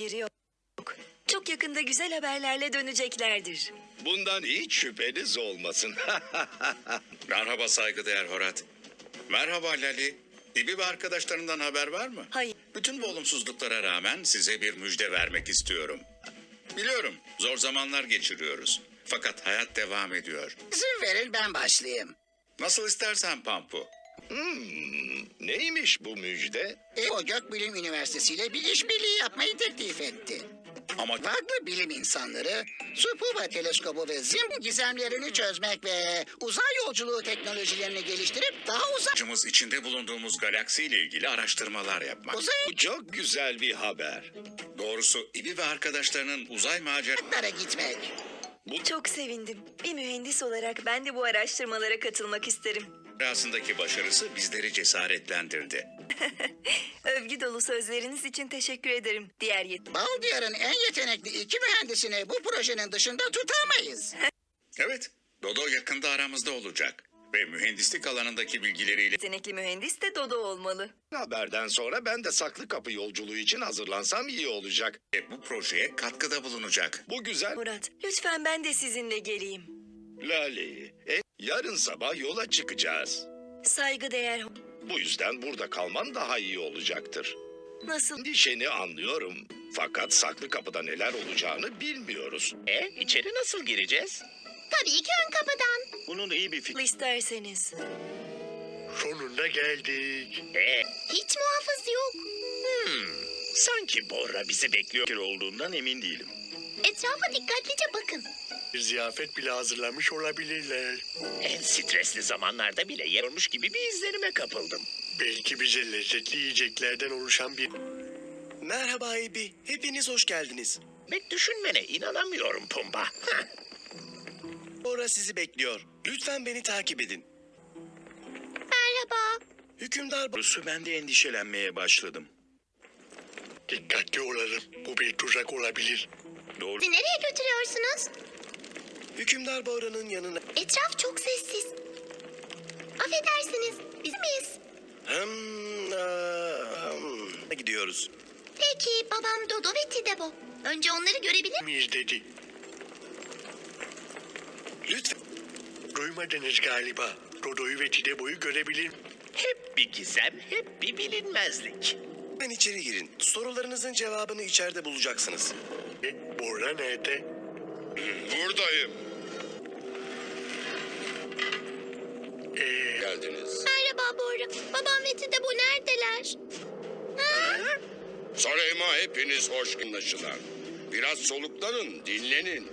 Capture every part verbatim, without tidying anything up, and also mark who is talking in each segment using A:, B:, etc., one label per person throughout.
A: haberi yok. Çok yakında güzel haberlerle döneceklerdir.
B: Bundan hiç şüpheniz olmasın.
C: Merhaba saygıdeğer Horat. Merhaba Lali. İbi ve arkadaşlarından haber var mı?
A: Hayır.
C: Bütün bu olumsuzluklara rağmen size bir müjde vermek istiyorum. Biliyorum zor zamanlar geçiriyoruz. Fakat hayat devam ediyor.
D: İzin verin ben başlayayım.
C: Nasıl istersen Pampu.
B: Neymiş bu müjde?
D: E, o Gökbilim Üniversitesi ile bir işbirliği yapmayı teklif etti.
C: Ama
D: Farklı bilim insanları, Supuba teleskobu ve Zim gizemlerini çözmek ve uzay yolculuğu teknolojilerini geliştirip daha uzak
C: amacımız içinde bulunduğumuz galaksiyle ilgili araştırmalar yapmak.
D: uzay
B: Bu çok güzel bir haber.
C: Doğrusu İbi ve arkadaşlarının uzay macerası
D: ışıklara gitmek.
A: Çok sevindim. Bir mühendis olarak ben de bu araştırmalara katılmak isterim.
C: Rüyasındaki başarısı bizleri cesaretlendirdi.
A: Övgü dolu sözleriniz için teşekkür ederim. Diğer yet
D: Baldiyar'ın en yetenekli iki mühendisini bu projenin dışında tutamayız.
C: Evet, Dodo yakında aramızda olacak. Ve mühendislik alanındaki bilgileriyle
A: yetenekli mühendis de Dodo olmalı.
B: Haberden sonra ben de saklı kapı yolculuğu için hazırlansam iyi olacak.
C: bu projeye katkıda bulunacak.
B: Bu güzel
A: Murat, lütfen ben de sizinle geleyim.
B: Lali. E, yarın sabah yola çıkacağız.
A: Saygıdeğer...
B: Bu yüzden burada kalman daha iyi olacaktır.
A: Nasıl?
B: Endişeni anlıyorum. Fakat saklı kapıda neler olacağını bilmiyoruz.
E: E, içeri nasıl gireceğiz?
F: Tabii ki ön kapıdan.
E: Bunun iyi bir fikri.
A: isterseniz.
G: Sonunda geldik.
E: E,
F: Hiç muhafız yok.
E: sanki Borra bizi bekliyor olduğundan emin değilim.
F: Etrafa dikkatlice bakın.
G: Bir ziyafet bile hazırlamış olabilirler.
E: En stresli zamanlarda bile yer olmuş gibi bir izlenime kapıldım.
G: Belki bize lezzetli yiyeceklerden oluşan bir...
H: Merhaba Ebi, hepiniz hoş geldiniz.
E: Bek düşünmene inanamıyorum Pumba. Heh.
H: Bora sizi bekliyor. Lütfen beni takip edin.
F: Merhaba.
H: Hükümdar
E: Doğrusu ben de endişelenmeye başladım.
G: Dikkatli olalım. Bu bir tuzak olabilir.
E: Doğru.
F: Bizi nereye götürüyorsunuz?
H: Hükümdar Bora'nın yanına...
F: Etraf çok sessiz. Affedersiniz. Biz miyiz?
H: Hmm, aa, hmm. Gidiyoruz.
F: Peki babam Dodo ve Tidebo. Önce onları görebilir miyim?
G: Miyiz dedi.
H: Lütfen.
G: Duymadınız galiba. Dodo'yu ve Tidebo'yu görebilir.
E: Hep bir gizem, hep bir bilinmezlik.
H: Ben içeri girin. Sorularınızın cevabını içeride bulacaksınız.
G: E, Bora nerede?
B: Buradayım.
G: Ee,
B: Geldiniz.
F: Merhaba Bora. Babam ve Tidebo neredeler? Ha?
B: Sarayıma hepiniz hoş anlaşılan. Biraz soluklanın, dinlenin.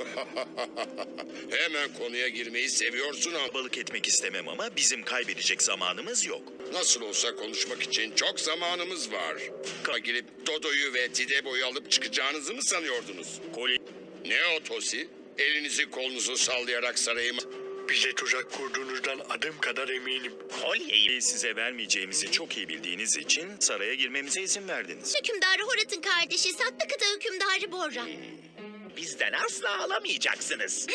B: Hemen konuya girmeyi seviyorsun ama
E: Balık etmek istemem ama bizim kaybedecek zamanımız yok.
B: nasıl olsa konuşmak için çok zamanımız var. Ka girip Dodo'yu ve Tidebo'yu alıp çıkacağınızı mı sanıyordunuz?
E: Kolye
B: Ne o Tosi? Elinizi kolunuzu sallayarak sarayıma...
G: bize tuzak kurduğunuzdan adım kadar eminim.
E: kolyeyi size vermeyeceğimizi çok iyi bildiğiniz için saraya girmemize izin verdiniz.
F: Hükümdarı Horat'ın kardeşi Saklı Kıta Hükümdarı Borra.
E: Bizden asla alamayacaksınız.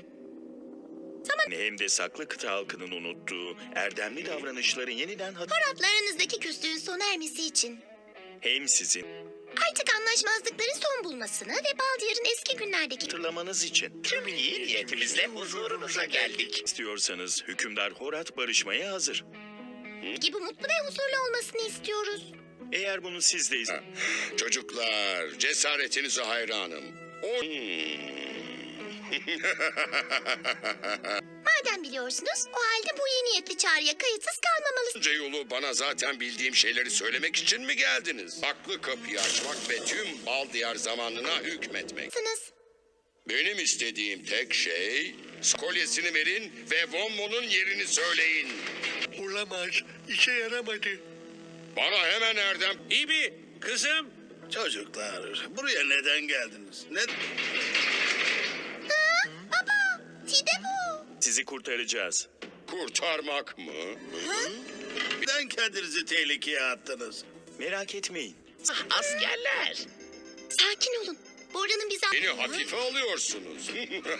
E: Hem de saklı kıta halkının unuttuğu erdemli davranışları yeniden hat-
F: Horat'la aranızdaki küslüğün sona ermesi için.
E: hem sizin
F: Artık anlaşmazlıkların son bulmasını ve Baldiyar'ın eski günlerdeki
E: hatırlamanız için tüm iyi niyetimizle huzurunuza geldik.
C: İstiyorsanız hükümdar Horat barışmaya hazır.
F: gibi mutlu ve huzurlu olmasını istiyoruz.
C: Eğer bunu siz de iz-
B: Çocuklar, cesaretinize hayranım. O...
F: Madem biliyorsunuz, o halde bu iyi niyetli çağrıya kayıtsız kalmamalısınız.
B: Onca yolu bana zaten bildiğim şeyleri söylemek için mi geldiniz? Saklı kapıyı açmak ve tüm Baldiyar zamanına hükmetmek. Benim istediğim tek şey... Kolyesini verin ve Wommo'nun yerini söyleyin.
G: Olamaz. İşe yaramadı.
B: Bana hemen Erdem...
C: İbi, kızım.
H: Çocuklar, buraya neden geldiniz? Ne...
F: Baba, Tidebo.
C: Sizi kurtaracağız.
B: Kurtarmak mı?
H: Neden kendinizi tehlikeye attınız?
C: Merak etmeyin.
E: Ah, askerler.
F: Sakin olun. Borra'nın bize...
B: Beni hafife alıyorsunuz.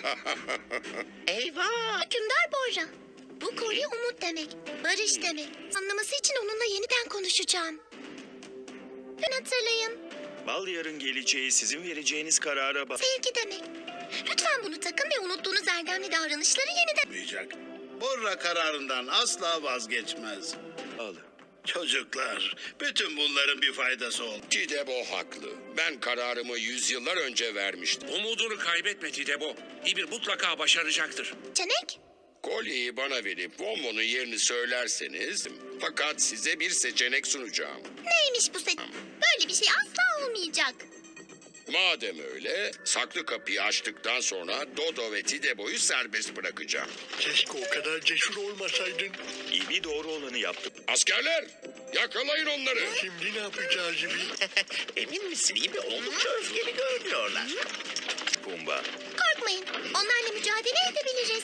E: Eyvah.
F: Hükümdar Borra. Bu kolye umut demek, barış demek. Anlaması için onunla yeniden konuşacağım. Ben hatırlayın.
E: Bal diyarın geleceği sizin vereceğiniz karara bağlı.
F: Sevgi demek. Lütfen bunu takın ve unuttuğunuz erdemli davranışları yeniden...
I: Olmayacak. Borra kararından asla vazgeçmez. Çocuklar, bütün bunların bir faydası oldu.
B: Tidebo haklı. Ben kararımı yüzyıllar önce vermiştim.
J: Umudunu kaybetme Tidebo. İbir mutlaka başaracaktır.
F: Çenek?
B: Kolyeyi bana verip Vonmon'un yerini söylerseniz... Fakat size bir seçenek sunacağım.
F: Neymiş bu set? Böyle bir şey asla olmayacak.
B: Madem öyle, saklı kapıyı açtıktan sonra Dodo ve Tidebo'yu serbest bırakacağım.
G: Keşke o kadar cesur olmasaydın.
E: İbi doğru olanı yaptı.
B: Askerler, yakalayın onları.
G: Şimdi ne yapacağız gibi?
H: Emin misin? İyi bir oldukça öfkeli görünüyorlar.
E: Pumba.
F: Korkmayın. Onlarla mücadele edebiliriz.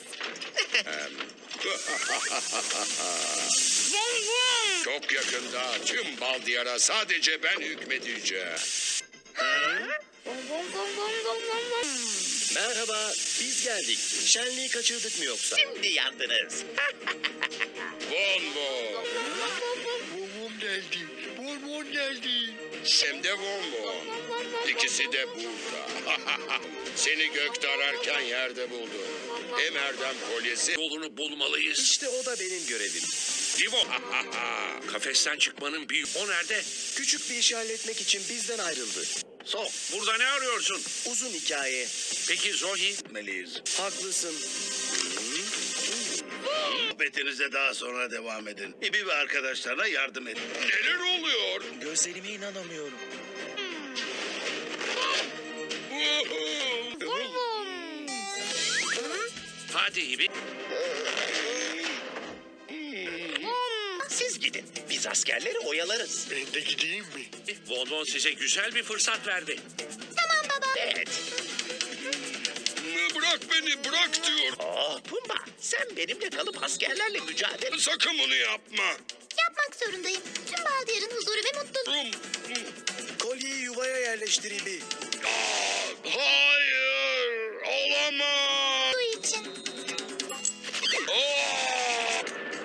B: Çok yakında tüm bal diyara sadece ben hükmedeceğim.
H: Merhaba, biz geldik. Şenliği kaçırdık mı yoksa? Şimdi yandınız.
B: Vonmon,
G: Bonbon geldi. Bonbon geldi.
B: hem de Vonmon. İkisi de burada. Seni gökte ararken yerde buldum. Hem Erdem kolyesi...
J: Yolunu bulmalıyız.
H: İşte o da benim görevim.
J: Divo. Kafesten çıkmanın bir... O nerede?
H: Küçük bir işi halletmek için bizden ayrıldı.
J: Sok. Burada ne arıyorsun?
H: Uzun hikaye.
J: Peki Zohi?
I: Meliyiz.
H: Haklısın.
I: Sohbetinize daha sonra devam edin. İbi ve arkadaşlarına yardım edin.
B: Neler oluyor?
H: Gözlerime inanamıyorum.
J: Hadi İbi.
H: Siz gidin. Biz askerleri oyalarız.
G: Ben de gideyim mi?
J: Von Von size güzel bir fırsat verdi.
F: Tamam baba.
H: Evet.
B: Bırak beni, bırak diyor.
H: Oh Pumba, sen benimle kalıp askerlerle mücadele...
B: Sakın bunu yapma.
F: Yapmak zorundayım. Tüm baldiyarın huzuru ve mutluluğu
B: Rum.
H: Kolyeyi yuvaya yerleştir İbi.
B: Hayır, olamaz.
F: için.
B: Aa!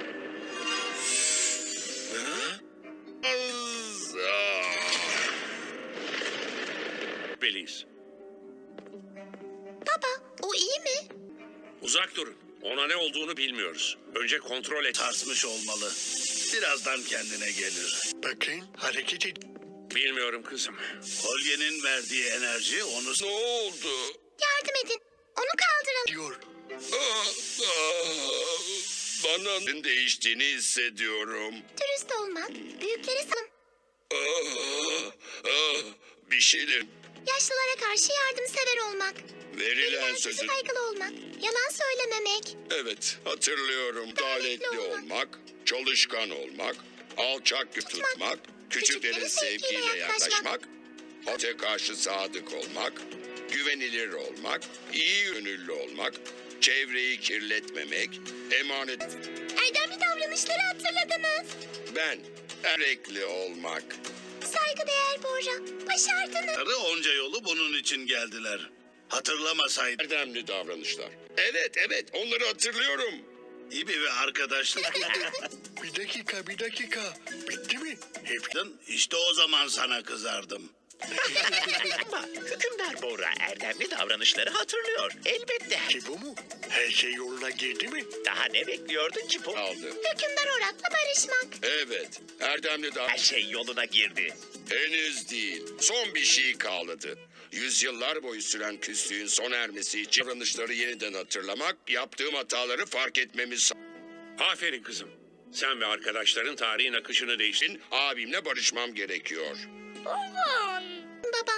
J: Beliz.
F: Baba, o iyi mi?
J: Uzak durun. Ona ne olduğunu bilmiyoruz. Önce kontrol et.
I: Sarsmış olmalı. Birazdan kendine gelir.
G: Bakın hareket et.
J: Bilmiyorum kızım.
I: Kolyenin verdiği enerji onu...
B: Ne oldu?
F: Yardım edin. Onu kaldıralım.
G: Diyor.
B: Aa, aa, Bana değiştiğini hissediyorum.
F: Dürüst olmak, büyükleri sanım.
B: Aa, aa, Bir şeyler...
F: Yaşlılara karşı yardımsever olmak.
B: Verilen
F: Verilen
B: sözü...
F: sözü saygılı olmak. Yalan söylememek.
B: Evet, hatırlıyorum. Adaletli olmak, çalışkan olmak, alçak tutmak, küçüklerin sevgiyle yaklaşmak, öte karşı sadık olmak, güvenilir olmak, iyi gönüllü olmak, çevreyi kirletmemek, emanet...
F: Erdemli davranışları hatırladınız.
B: Ben, erekli olmak.
F: Saygıdeğer Bora. Başardınız.
I: Onca yolu bunun için geldiler. Hatırlamasaydı
B: Erdemli davranışlar. Evet, evet, onları hatırlıyorum.
I: İbi ve arkadaşlar...
G: Bir dakika bir dakika. Bitti mi? Hep
I: işte o zaman sana kızardım.
H: Ama hükümdar Bora erdemli davranışları hatırlıyor. Elbette.
G: ki bu mu? Her şey yoluna girdi mi?
H: Daha ne bekliyordun ki bu?
B: Aldı.
F: Hükümdar Orak'la barışmak.
B: Evet, erdemli
H: Her
B: davranışlar.
H: şey yoluna girdi.
B: Henüz değil. Son bir şey kaldı. Yüzyıllar boyu süren küslüğün sona ermesi için davranışları yeniden hatırlamak, yaptığım hataları fark etmemiz...
J: Aferin kızım. Sen ve arkadaşların tarihin akışını değiştirdin.
B: için abimle barışmam gerekiyor.
F: Baba.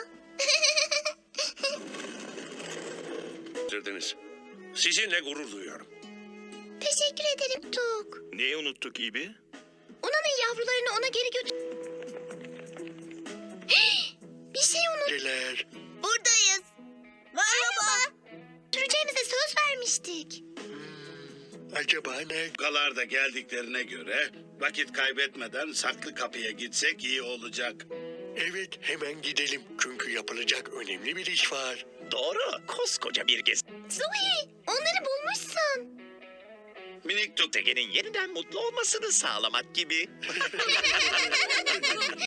J: Değiştirdiniz. Sizinle gurur duyuyorum.
F: Teşekkür ederim Tuk.
E: Neyi unuttuk İbi?
F: Una'nın yavrularını ona geri götür... Bir şey unut.
G: Neler?
F: Buradayız. Merhaba. Süreceğimize söz vermiştik.
G: Acaba ne?
I: Galar da geldiklerine göre vakit kaybetmeden saklı kapıya gitsek iyi olacak.
G: Evet hemen gidelim. Çünkü yapılacak önemli bir iş var.
H: Doğru. Koskoca bir gez.
F: Zoe, onları bulmuşsun.
I: Minik Tuk
H: Tegenin yeniden mutlu olmasını sağlamak gibi.